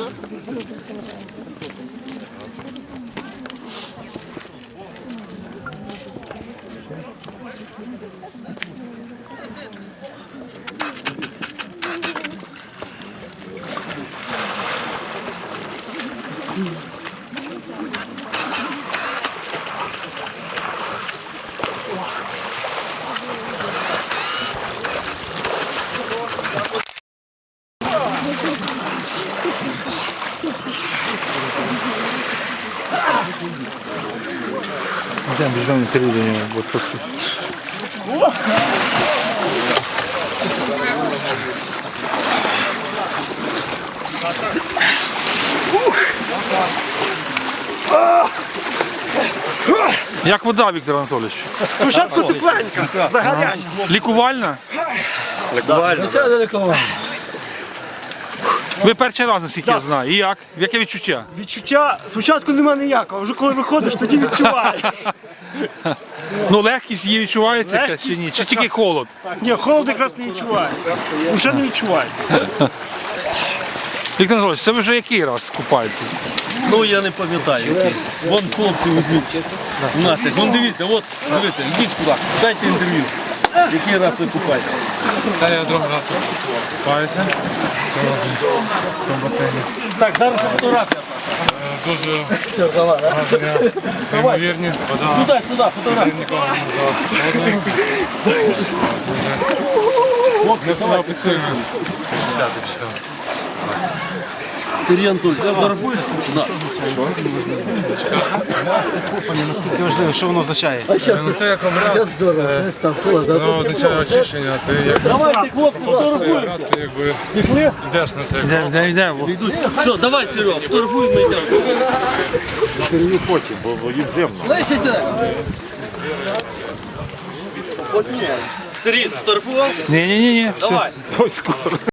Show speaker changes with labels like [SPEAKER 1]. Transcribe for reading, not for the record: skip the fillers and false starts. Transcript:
[SPEAKER 1] Йдемо, біжимо інтерв'ю до нього, бо просто... Як вода, Віктор Анатолійович?
[SPEAKER 2] Спочатку тепленька, загаряча.
[SPEAKER 1] Лікувальна?
[SPEAKER 2] Лікувальна.
[SPEAKER 1] Ви перший раз, наскільки я знаю. І як? Яке відчуття?
[SPEAKER 2] Відчуття спочатку нема ніякого, вже коли виходиш, тоді відчуваєш.
[SPEAKER 1] Ну, легкість її відчувається якась чи ні? Чи тільки холод?
[SPEAKER 2] Ні, холод якраз не відчувається. Уже не відчувається.
[SPEAKER 1] Віктор Анатолійович, це ви вже який раз купаєтеся?
[SPEAKER 3] Ну я не пам'ятаю. Вон хлопці візьмуть. У нас є. Вон дивіться, от, дивіться, йдіть сюди, дайте інтерв'ю. Який раз ви купаєте?
[SPEAKER 4] Це я другий раз купаюся.
[SPEAKER 3] Так, зараз фотографія.
[SPEAKER 4] Дуже гарні, неймовірні. Вода
[SPEAKER 3] Сюди, фотографія.
[SPEAKER 4] нікого не холодний. Дуже не описуємо відчуття від цього.
[SPEAKER 3] Сергій Анатолійович, фотографуєш?
[SPEAKER 5] Наскільки важливо, що воно означає?
[SPEAKER 4] Ну це як обряд, воно означає очищення. Ти як
[SPEAKER 3] Давайте, хлопці,
[SPEAKER 4] ходиш цей
[SPEAKER 3] фотографуємо.
[SPEAKER 4] обряд, ти якби йдеш на цей крок.
[SPEAKER 1] Йдемо.
[SPEAKER 3] Все, давай, Серега, фотографуй, ми йдемо.
[SPEAKER 6] Інтерв'ю потім, бо їм земно.
[SPEAKER 3] Слышите сюди? Сергій, сфотографував?
[SPEAKER 1] Ні,
[SPEAKER 3] Давай.